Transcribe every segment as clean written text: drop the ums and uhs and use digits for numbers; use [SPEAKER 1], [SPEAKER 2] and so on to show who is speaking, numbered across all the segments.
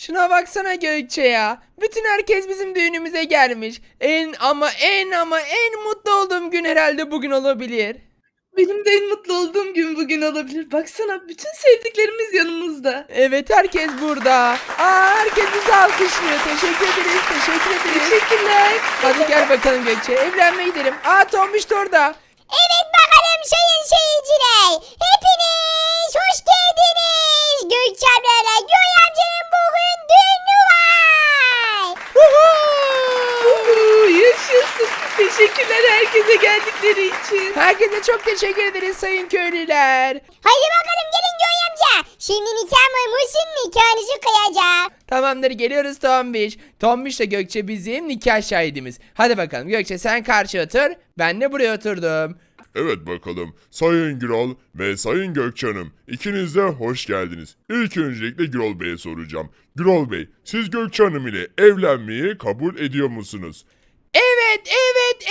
[SPEAKER 1] Şuna baksana Gökçe ya. Bütün herkes bizim düğünümüze gelmiş. En mutlu olduğum gün herhalde bugün olabilir.
[SPEAKER 2] Benim de en mutlu olduğum gün bugün olabilir. Baksana bütün sevdiklerimiz yanımızda.
[SPEAKER 1] Evet, herkes burada. Herkes bizi alkışlıyor. Teşekkür ederiz, teşekkür ederiz.
[SPEAKER 2] Teşekkürler.
[SPEAKER 1] Hadi gel bakalım Gökçe, evlenmeye gidelim. Tombiş da orada.
[SPEAKER 3] Evet bakalım sayın seyirciler. Hepiniz hoş geldiniz. Gökçe ablayla Göğe amcanın bugün düğünü var.
[SPEAKER 2] Yaşasın. Teşekkürler herkese geldikleri için.
[SPEAKER 1] Herkese çok teşekkür ederiz sayın köylüler.
[SPEAKER 3] Hadi bakalım gelin Göğe amca. Şimdi nikah mıymışsın nikahınızı kıyacak.
[SPEAKER 1] Tamamdır, geliyoruz Tombiş. Tombiş de Gökçe bizim nikah şahidimiz. Hadi bakalım Gökçe, sen karşı otur. Ben de buraya oturdum.
[SPEAKER 4] Evet bakalım. Sayın Gürol ve Sayın Gökçen'im, ikiniz de hoş geldiniz. İlk öncelikle Gürol Bey'e soracağım. Gürol Bey, siz Gökçe Hanım ile evlenmeyi kabul ediyor musunuz?
[SPEAKER 1] Evet, evet,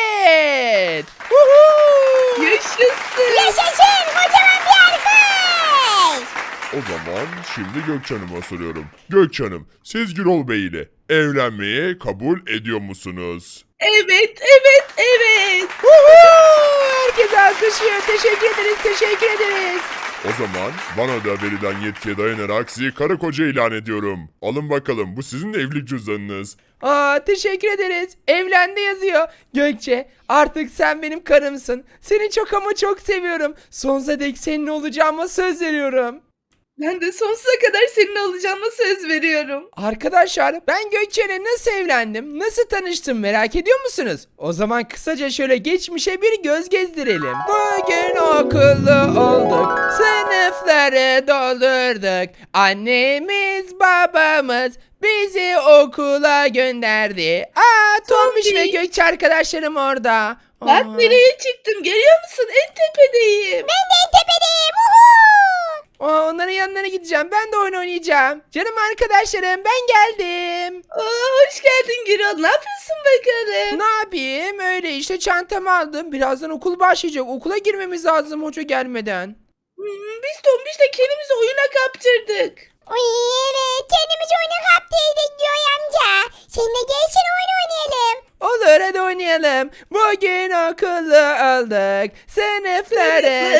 [SPEAKER 1] evet. Woohoo!
[SPEAKER 2] Yaşasın.
[SPEAKER 3] Yaşasın kocaman bir alkış.
[SPEAKER 4] O zaman şimdi Gökçe Hanım'a soruyorum. Gökçe Hanım, siz Gürol Bey ile evlenmeyi kabul ediyor musunuz?
[SPEAKER 2] Evet, evet, evet.
[SPEAKER 1] Woohoo! Herkes alkışlıyor. Teşekkür ederiz, teşekkür ederiz.
[SPEAKER 4] O zaman bana da verilen yetkiye dayanarak sizi karı koca ilan ediyorum. Alın bakalım, bu sizin evlilik cüzdanınız.
[SPEAKER 1] Teşekkür ederiz. Evlendi yazıyor. Gökçe, artık sen benim karımsın. Seni çok ama çok seviyorum. Sonsuza dek seninle olacağıma söz veriyorum.
[SPEAKER 2] Ben de sonsuza kadar seninle olacağıma söz veriyorum.
[SPEAKER 1] Arkadaşlar, ben Gökçe'yle nasıl evlendim, nasıl tanıştım merak ediyor musunuz? O zaman kısaca şöyle geçmişe bir göz gezdirelim. Bugün okullu olduk, sınıfları doldurduk. Annemiz babamız bizi okula gönderdi. Tombiş ve Gökçe arkadaşlarım orada.
[SPEAKER 2] Bak nereye çıktım görüyor musun? En tepedeyim.
[SPEAKER 3] Ben de en tepedeyim. Uhu.
[SPEAKER 1] Onların yanlarına gideceğim. Ben de oyun oynayacağım. Canım arkadaşlarım, ben geldim.
[SPEAKER 2] Hoş geldin Gürol. Ne yapıyorsun bakalım?
[SPEAKER 1] Ne yapayım? Öyle işte, çantamı aldım. Birazdan okul başlayacak. Okula girmemiz lazım hoca gelmeden.
[SPEAKER 2] Biz Tombiş'le kendimizi oyuna kaptırdık.
[SPEAKER 3] Uy evet kendimiz oyuna kaptıydık Göğe amca. Seninle gelsin oyun oynayalım.
[SPEAKER 1] Olur, hadi oynayalım. Bugün okullu olduk. Sınıfları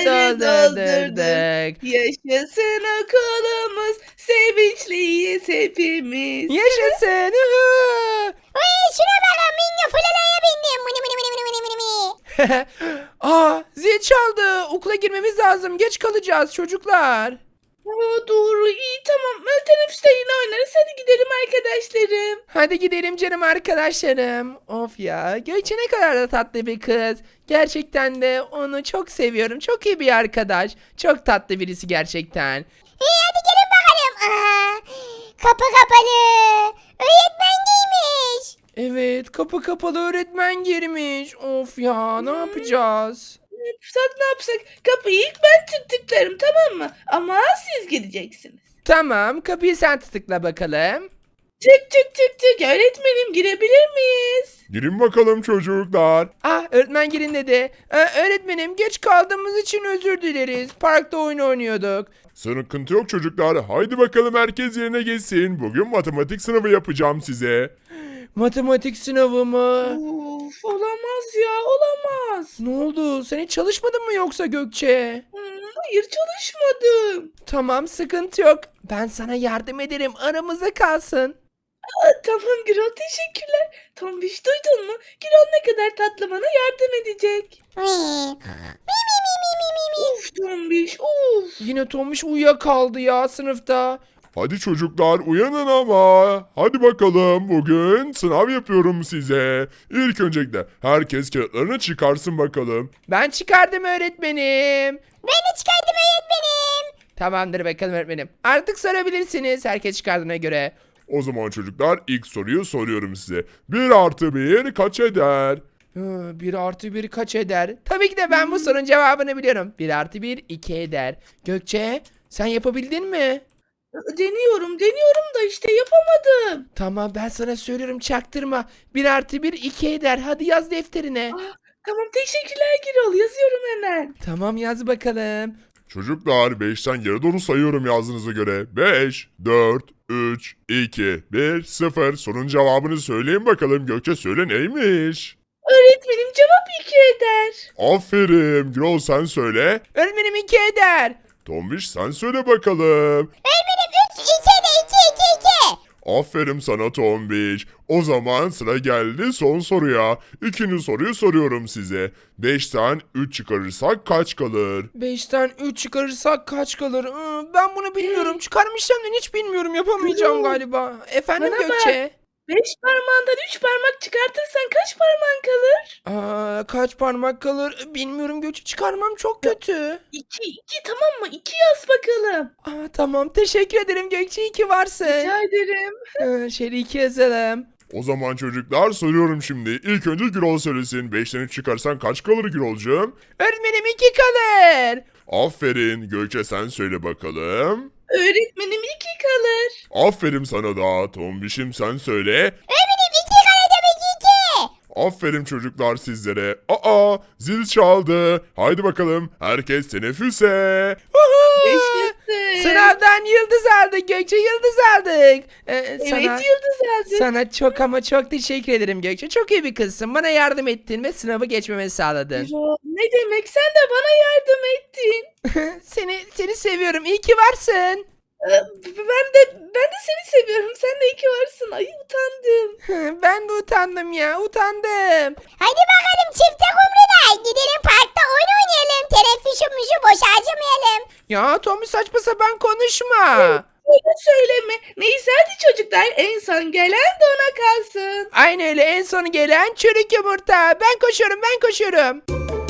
[SPEAKER 1] doldurduk.
[SPEAKER 2] Yaşasın okulumuz. Sevinçliyiz hepimiz.
[SPEAKER 1] Yaşasın. Uhu.
[SPEAKER 3] Uy şuna bakın minyo fulalaya bindim. Mını mını mını mını mını mını.
[SPEAKER 1] Zil çaldı. Okula girmemiz lazım. Geç kalacağız çocuklar.
[SPEAKER 2] Doğru iyi tamam. Teneffüste yine oynarız. Hadi gidelim arkadaşlarım.
[SPEAKER 1] Hadi gidelim canım arkadaşlarım. Of ya, Gökçe ne kadar da tatlı bir kız. Gerçekten de onu çok seviyorum. Çok iyi bir arkadaş. Çok tatlı birisi gerçekten.
[SPEAKER 3] Hadi gelin bakalım. Kapı kapalı. Öğretmen giymiş.
[SPEAKER 1] Evet, kapı kapalı, öğretmen girmiş. Of ya, ne yapacağız?
[SPEAKER 2] Ne yapsak? Kapıyı ilk ben tıklarım tamam mı? Ama siz gideceksiniz.
[SPEAKER 1] Tamam, kapıyı sen tıkla bakalım.
[SPEAKER 2] Tık tık tık tık. Öğretmenim girebilir miyiz?
[SPEAKER 4] Girin bakalım çocuklar.
[SPEAKER 1] Öğretmen girin dedi. Öğretmenim, geç kaldığımız için özür dileriz. Parkta oyun oynuyorduk.
[SPEAKER 4] Sıkıntı yok çocuklar. Haydi bakalım herkes yerine geçsin. Bugün matematik sınavı yapacağım size.
[SPEAKER 1] Matematik sınavı mı?
[SPEAKER 2] Of olamaz ya olamaz.
[SPEAKER 1] Ne oldu? Sen hiç çalışmadın mı yoksa Gökçe?
[SPEAKER 2] Hayır çalışmadım.
[SPEAKER 1] Tamam, sıkıntı yok. Ben sana yardım ederim. Aramızda kalsın.
[SPEAKER 2] Tamam Gürol teşekkürler. Tombiş duydun mu? Gürol ne kadar tatlı bana yardım edecek. Of Tombiş of.
[SPEAKER 1] Yine Tomiş uyuyakaldı ya sınıfta.
[SPEAKER 4] Hadi çocuklar uyanın ama. Hadi bakalım bugün sınav yapıyorum size. İlk öncelikle herkes kağıtlarını çıkarsın bakalım.
[SPEAKER 1] Ben çıkardım öğretmenim.
[SPEAKER 3] Ben de çıkardım öğretmenim.
[SPEAKER 1] Tamamdır bakalım öğretmenim. Artık sorabilirsiniz herkes çıkardığına göre.
[SPEAKER 4] O zaman çocuklar ilk soruyu soruyorum size. 1 artı 1 kaç eder?
[SPEAKER 1] 1 artı 1 kaç eder? Tabii ki de ben bu sorunun cevabını biliyorum. 1 artı 1 2 eder. Gökçe, sen yapabildin mi?
[SPEAKER 2] Deniyorum da işte yapamadım.
[SPEAKER 1] Tamam, ben sana söylüyorum, çaktırma. 1 artı 1 2 eder. Hadi yaz defterine.
[SPEAKER 2] Tamam teşekkürler Gürol yazıyorum hemen.
[SPEAKER 1] Tamam, yaz bakalım.
[SPEAKER 4] Çocuklar 5'ten geri doğru sayıyorum yazdığınıza göre. 5, 4, 3, 2, 1, 0. Sorunun cevabını söyleyin bakalım. Gökçe söyle neymiş?
[SPEAKER 2] Öğretmenim cevap 2 eder.
[SPEAKER 4] Aferin. Gürol sen söyle.
[SPEAKER 1] Öğretmenim 2 eder.
[SPEAKER 4] Tombiş sen söyle bakalım.
[SPEAKER 3] Öğretmenim 3 2 de 2 2 2.
[SPEAKER 4] Aferin sana Tombiş. O zaman sıra geldi son soruya. İkinci soruyu soruyorum size. 5'ten 3 çıkarırsak kaç kalır?
[SPEAKER 1] 5'ten 3 çıkarırsak kaç kalır? Ben bunu bilmiyorum. Çıkarmışım da hiç bilmiyorum. Yapamayacağım galiba. Efendim
[SPEAKER 2] Bana bak.
[SPEAKER 1] Gökçe?
[SPEAKER 2] 5 parmağından 3 parmak çıkartırsan kaç parmağın kalır?
[SPEAKER 1] Kaç parmak kalır? Bilmiyorum Gökçe. Çıkarmam çok kötü.
[SPEAKER 2] 2 tamam mı? 2 yaz bakalım.
[SPEAKER 1] Tamam. Teşekkür ederim Gökçe. İyi ki varsın.
[SPEAKER 2] Rica ederim.
[SPEAKER 1] Şöyle 2 yazalım.
[SPEAKER 4] O zaman çocuklar soruyorum şimdi. İlk önce Gürol söylesin. 5'ten 3 çıkarsan kaç kalır Gürolcuğum?
[SPEAKER 1] Öğretmenim 2 kalır.
[SPEAKER 4] Aferin. Gökçe sen söyle bakalım.
[SPEAKER 2] Öğretmenim 2 kalır.
[SPEAKER 4] Aferin sana da. Tombiş'im sen söyle.
[SPEAKER 3] Öğretmenim 2 kare demek 2.
[SPEAKER 4] Aferin çocuklar sizlere. Aa zil çaldı. Haydi bakalım. Herkes teneffüse.
[SPEAKER 2] Yaşasın.
[SPEAKER 1] Sınavdan yıldız aldık Gökçe. Yıldız aldık.
[SPEAKER 2] Evet yıldız aldı.
[SPEAKER 1] Sana çok ama çok teşekkür ederim Gökçe. Çok iyi bir kızsın. Bana yardım ettin ve sınavı geçmemi sağladın.
[SPEAKER 2] Ne demek, sen de bana yardım ettin.
[SPEAKER 1] Seni seviyorum. İyi ki varsın.
[SPEAKER 2] Ben de seni seviyorum. Sen de iyi ki varsın. Ay utandım.
[SPEAKER 1] Ben de utandım ya. Utandım.
[SPEAKER 3] Hadi bakalım çifte kumrular. Gidelim parkta oyun oynayalım. Teneffüsümüzü boş harcamayalım.
[SPEAKER 1] Ya Tommy saçma sapan konuşma.
[SPEAKER 2] Öyle söyleme. Neyse hadi çocuklar, en son gelen de ona kalsın.
[SPEAKER 1] Aynı öyle en sonu gelen çürük yumurta. Ben koşuyorum.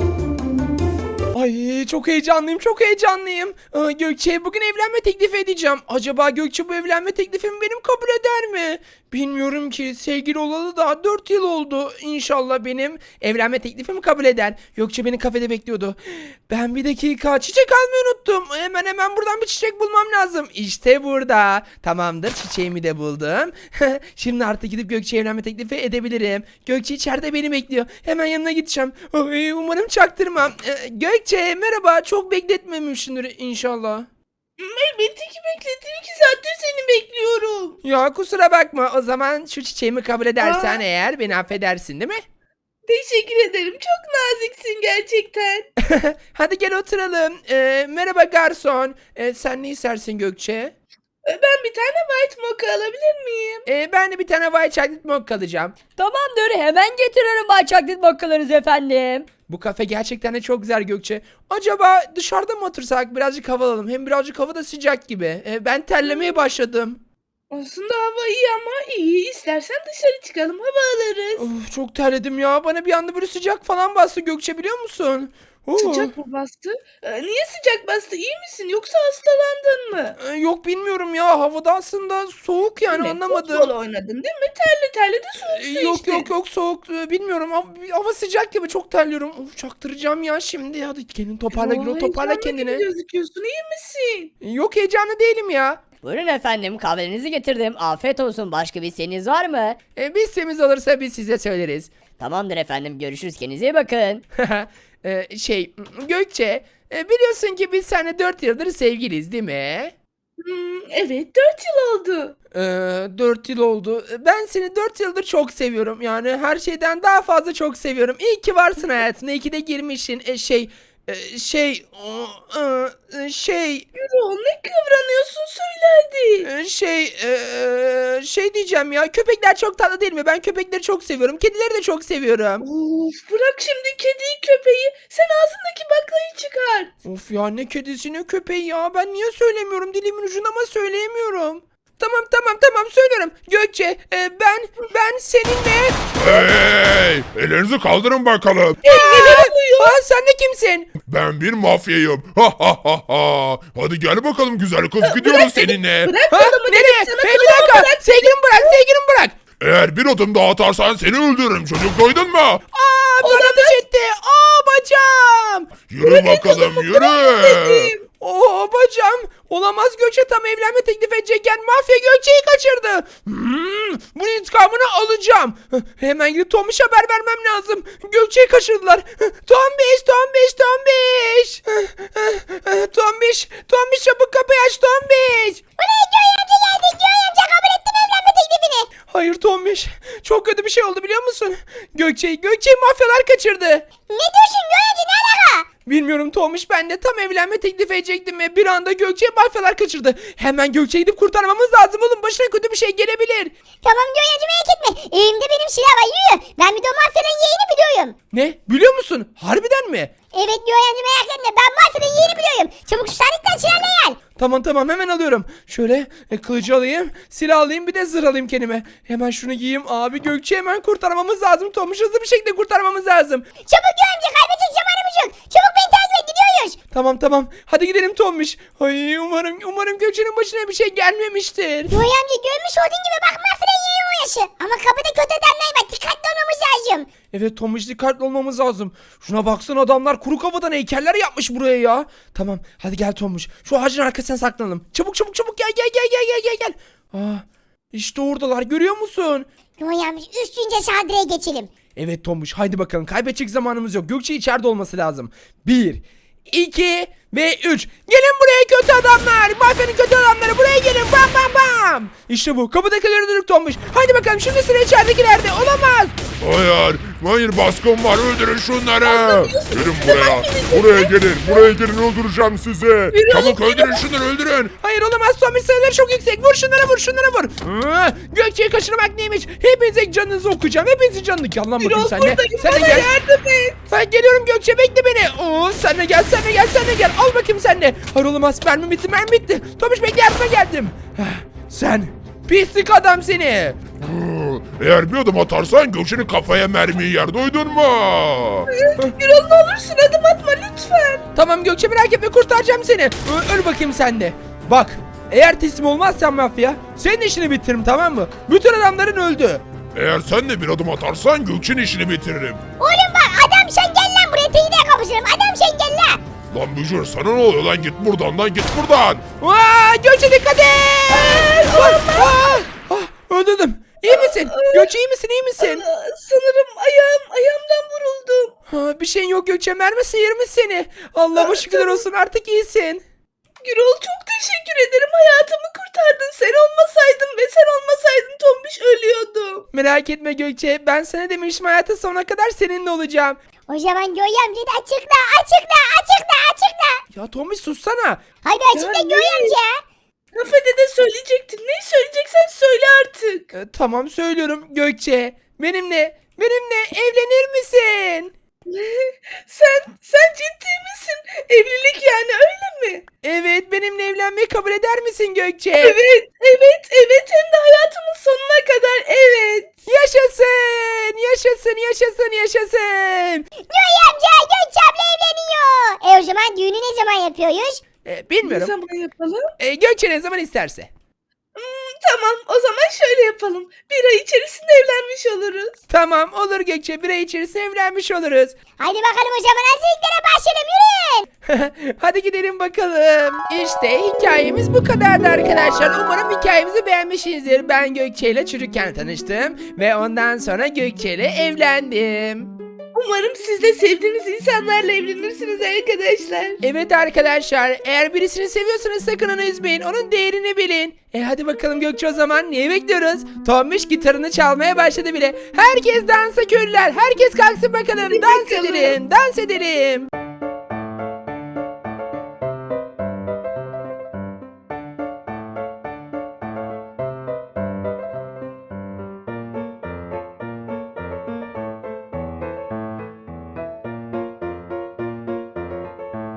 [SPEAKER 1] Ay çok heyecanlıyım çok heyecanlıyım. Gökçe'ye bugün evlenme teklif edeceğim. Acaba Gökçe bu evlenme teklifimi benim kabul eder mi? Bilmiyorum ki, sevgili olalı daha 4 yıl oldu. İnşallah benim evlenme teklifimi kabul eder. Gökçe beni kafede bekliyordu. Ben bir dakika çiçek almayı unuttum. Hemen buradan bir çiçek bulmam lazım. İşte burada. Tamamdır, çiçeğimi de buldum. Şimdi artık gidip Gökçe'ye evlenme teklifi edebilirim. Gökçe içeride beni bekliyor. Hemen yanına gideceğim. Ay, umarım çaktırmam. Gökçe merhaba, çok bekletmemişsindir inşallah.
[SPEAKER 2] Elbette ki bekledim. 2 saattir seni bekliyorum.
[SPEAKER 1] Ya kusura bakma, o zaman şu çiçeğimi kabul edersen eğer beni affedersin değil mi?
[SPEAKER 2] Teşekkür ederim. Çok naziksin gerçekten.
[SPEAKER 1] Hadi gel oturalım. Merhaba garson. Sen ne istersin Gökçe?
[SPEAKER 2] Ben bir tane white mocha alabilir miyim?
[SPEAKER 1] Ben de bir tane white chocolate mocha alacağım.
[SPEAKER 5] Tamamdır, hemen getiriyorum Bay Chocolate mochalarınızı efendim.
[SPEAKER 1] Bu kafe gerçekten de çok güzel Gökçe. Acaba dışarıda mı otursak, birazcık hava alalım? Hem birazcık hava da sıcak gibi. Ben terlemeye başladım.
[SPEAKER 2] Aslında hava iyi ama iyi. İstersen dışarı çıkalım, hava alırız.
[SPEAKER 1] Of, çok terledim ya. Bana bir anda böyle sıcak falan bastı Gökçe, biliyor musun?
[SPEAKER 2] Sıcak mı bastı? Niye sıcak bastı? İyi misin? Yoksa hastalandın mı?
[SPEAKER 1] Yok bilmiyorum ya. Havada aslında soğuk yani,
[SPEAKER 2] Değil mi?
[SPEAKER 1] anlamadım.
[SPEAKER 2] Futbol oynadın değil mi? Terli de soğuk su
[SPEAKER 1] Yok
[SPEAKER 2] içtin.
[SPEAKER 1] yok soğuk, bilmiyorum, hava sıcak gibi, çok terliyorum. Of, çaktıracağım ya şimdi. Hadi kendini toparla Gürol, toparla
[SPEAKER 2] Heyecanlı
[SPEAKER 1] kendini.
[SPEAKER 2] gibi gözüküyorsun. İyi misin?
[SPEAKER 1] Yok, heyecanlı değilim ya.
[SPEAKER 5] Buyurun efendim, kahvenizi getirdim. Afiyet olsun, başka bir isteğiniz var mı?
[SPEAKER 1] Bir isteğimiz olursa biz size söyleriz.
[SPEAKER 5] Tamamdır efendim, görüşürüz, kendinize iyi bakın.
[SPEAKER 1] Gökçe, biliyorsun ki biz seninle 4 yıldır sevgiliyiz değil mi?
[SPEAKER 2] Evet, 4 yıl oldu.
[SPEAKER 1] 4 yıl oldu. Ben seni 4 yıldır çok seviyorum. Yani her şeyden daha fazla çok seviyorum. İyi ki varsın hayatımda. İyi ki de girmişsin.
[SPEAKER 2] Yürü, ne kıvranıyorsun, söyle hadi.
[SPEAKER 1] Şey diyeceğim ya. Köpekler çok tatlı değil mi? Ben köpekleri çok seviyorum. Kedileri de çok seviyorum.
[SPEAKER 2] Of, bırak şimdi kediyi köpeği. Sen ağzındaki baklayı çıkar.
[SPEAKER 1] Of ya, ne kedisi ne köpeği ya. Ben niye söylemiyorum? Dilimin ucunda ama söyleyemiyorum. Tamam söylüyorum. Gökçe, ben seninle...
[SPEAKER 4] Hey! Ellerinizi kaldırın bakalım.
[SPEAKER 1] Sen de kimsin?
[SPEAKER 4] Ben bir mafyayım. Ha ha ha ha. Hadi gel bakalım güzel kız, gidiyoruz seninle.
[SPEAKER 2] Bırak
[SPEAKER 1] Ha?
[SPEAKER 2] kolumu dedim
[SPEAKER 1] Nereye?
[SPEAKER 2] sana,
[SPEAKER 1] Bir
[SPEAKER 2] kolumu
[SPEAKER 1] dakika.
[SPEAKER 2] bırak.
[SPEAKER 1] Sevgilimi bırak.
[SPEAKER 4] Eğer bir adım daha atarsan seni öldürürüm, çocuk, duydun mu?
[SPEAKER 1] Bana ateş etti. Bacağım.
[SPEAKER 4] Yürü bakalım yürü.
[SPEAKER 1] Bacağım. Olamaz, Gökçe tam evlenme teklif edecekken mafya Gökçe'yi kaçırdı. Bunun intikamını alacağım. Hemen gidip Tombiş'e haber vermem lazım. Gökçe'yi kaçırdılar. Tombiş. Tombiş çabuk kapıyı aç Tombiş.
[SPEAKER 3] Buraya Göğe amca geldik. Göğe amca kabul ettim evlenme teklifini.
[SPEAKER 1] Hayır Tombiş. Çok kötü bir şey oldu biliyor musun? Gökçe'yi mafyalar kaçırdı.
[SPEAKER 3] Ne diyorsun Göğe amca, ne alaka?
[SPEAKER 1] Bilmiyorum Tombiş, ben de tam evlenme teklif edecektim ve bir anda Gökçe'yi mafyalar kaçırdı. Hemen Gökçe'yi gidip kurtarmamız lazım oğlum. Başına kötü bir şey gelebilir.
[SPEAKER 3] Tamam Göğe amca, merak etme. Evimde benim silah var, yürü. Ben bir de o mafyanın yeğeni biliyorum.
[SPEAKER 1] Ne? Biliyor musun? Harbiden mi?
[SPEAKER 3] Evet Göğe amca, merak etme. Ben mafyanın yeğeni biliyorum. Çabuk şu sandıktan silahla gel.
[SPEAKER 1] Tamam hemen alıyorum. Şöyle kılıcı alayım, silah alayım, bir de zırh alayım kendime. Hemen şunu giyeyim. Abi Gökçe'yi hemen kurtarmamız lazım. Tombiş hızlı bir şekilde kurtarmamız lazım.
[SPEAKER 3] Çabuk Göğe amca, kaybedecek zamanımız yok. Çabuk beni takip et, gidiyoruz.
[SPEAKER 1] Tamam. Hadi gidelim Tombiş. Ay umarım Gökçe'nin başına bir şey gelmemiştir.
[SPEAKER 3] Göğe amca, görmüş olduğun gibi bak, mafyanın yeğeni o yaşı. Ama kapıda kötü adamlar var. Dikkatli olmamız lazım.
[SPEAKER 1] Evet Tombiş, dikkatli olmamız lazım. Şuna baksana, adamlar kuru kafadan heykeller yapmış buraya ya. Tamam hadi gel Tombiş. Şu ağacın arkasına saklanalım. Çabuk gel. İşte oradalar, görüyor musun?
[SPEAKER 3] Göğe amca, üstünce saldırıya geçelim.
[SPEAKER 1] Evet Tombiş, haydi bakalım, kaybedecek zamanımız yok. Gökçe içeride olması lazım. 1, 2 ve 3. Gelin buraya kötü adamlar. Mafyanın kötü adamları, buraya gelin. Bam. İşte bu. Kapıdakileri öldürdük Tombiş. Haydi bakalım, şimdi sıra içeridekilerde. Olamaz.
[SPEAKER 4] Hayır baskın var, öldürün şunları. Gelin buraya. Buraya gelin öldüreceğim sizi. Çabuk öldürün şunları, öldürün.
[SPEAKER 1] Hayır olamaz, Tombiş sayıları çok yüksek. Vur şunlara vur. Gökçe'yi kaçırmak neymiş? Hepinize canınızı okuyacağım. Hepinizin canını. Gel lan bakayım
[SPEAKER 2] Gürol
[SPEAKER 1] sen de.
[SPEAKER 2] buradayım,
[SPEAKER 1] Sen de
[SPEAKER 2] bana
[SPEAKER 1] gel.
[SPEAKER 2] yardım et.
[SPEAKER 1] Ben geliyorum Gökçe, bekle beni. Oo, sen de gel. Al bakayım sen de. Hayır olamaz, mermi bitti. Tombiş bekle, yardıma geldim. Sen pislik adam seni.
[SPEAKER 4] Eğer bir adım atarsan Gökçe'nin kafaya mermiyi yer, duydun mu?
[SPEAKER 2] Gürol, ne olursun adım atma lütfen.
[SPEAKER 1] Tamam Gökçe, merak etme, kurtaracağım seni. Öl bakayım sen de. Bak, eğer teslim olmazsan mafya, senin işini bitiririm, tamam mı? Bütün adamların öldü.
[SPEAKER 4] Eğer sen de bir adım atarsan Gökçe'nin işini bitiririm.
[SPEAKER 3] Oğlum bak, adam sen gel lan buraya, teyide kapışırım. Adam sen gel lan.
[SPEAKER 4] Lan Bücür, sana ne oluyor lan, git buradan.
[SPEAKER 1] Gökçe dikkat et. Öldürdüm. İyi misin? Gökçe iyi misin?
[SPEAKER 2] Sanırım ayağımdan vuruldum.
[SPEAKER 1] Bir şeyin yok Gökçe, mermi sıyırmış seni. Allah'ıma şükürler olsun, artık iyisin.
[SPEAKER 2] Gürol, çok teşekkür ederim. Hayatımı kurtardın. Sen olmasaydın Tombiş ölüyordu.
[SPEAKER 1] Merak etme Gökçe, ben sana demiştim, hayatın sonuna kadar seninle olacağım.
[SPEAKER 3] O zaman Göğe amca da açıkla.
[SPEAKER 1] Ya Tombiş sussana.
[SPEAKER 3] Hadi açıkla
[SPEAKER 2] Yani-
[SPEAKER 3] Göğe amca.
[SPEAKER 2] Kafede de söyleyecektin. Neyi söyleyeceksen söyle artık.
[SPEAKER 1] Tamam, söylüyorum Gökçe. Benimle evlenir misin?
[SPEAKER 2] Sen ciddi misin? Evlilik yani, öyle mi?
[SPEAKER 1] Evet, benimle evlenmeyi kabul eder misin Gökçe?
[SPEAKER 2] Evet. Hem de hayatımın sonuna kadar evet.
[SPEAKER 1] Yaşasın.
[SPEAKER 3] Göğe amca, Gökçe abla evleniyor. O zaman düğünü ne zaman yapıyoruz?
[SPEAKER 2] Ne
[SPEAKER 1] Bilmiyorum.
[SPEAKER 2] zaman yapalım?
[SPEAKER 1] Gökçe ne zaman isterse.
[SPEAKER 2] Tamam, o zaman şöyle yapalım. Bir ay içerisinde evlenmiş oluruz.
[SPEAKER 1] Tamam, olur Gökçe, bir ay içerisinde evlenmiş oluruz.
[SPEAKER 3] Hadi bakalım, o zaman hazırlıklara başlayalım, yürüyün.
[SPEAKER 1] Hadi gidelim bakalım. İşte hikayemiz bu kadardı arkadaşlar. Umarım hikayemizi beğenmişsinizdir. Ben Gökçe ile çocukken tanıştım ve ondan sonra Gökçe ile evlendim.
[SPEAKER 2] Umarım siz de sevdiğiniz insanlarla evlenirsiniz arkadaşlar.
[SPEAKER 1] Evet arkadaşlar, eğer birisini seviyorsanız sakın onu üzmeyin, onun değerini bilin. Hadi bakalım Gökçe, o zaman neyi bekliyoruz? Tombiş gitarını çalmaya başladı bile. Herkes dansa köylüler, herkes kalksın bakalım,
[SPEAKER 2] Hadi
[SPEAKER 1] dans
[SPEAKER 2] bakalım.
[SPEAKER 1] edelim.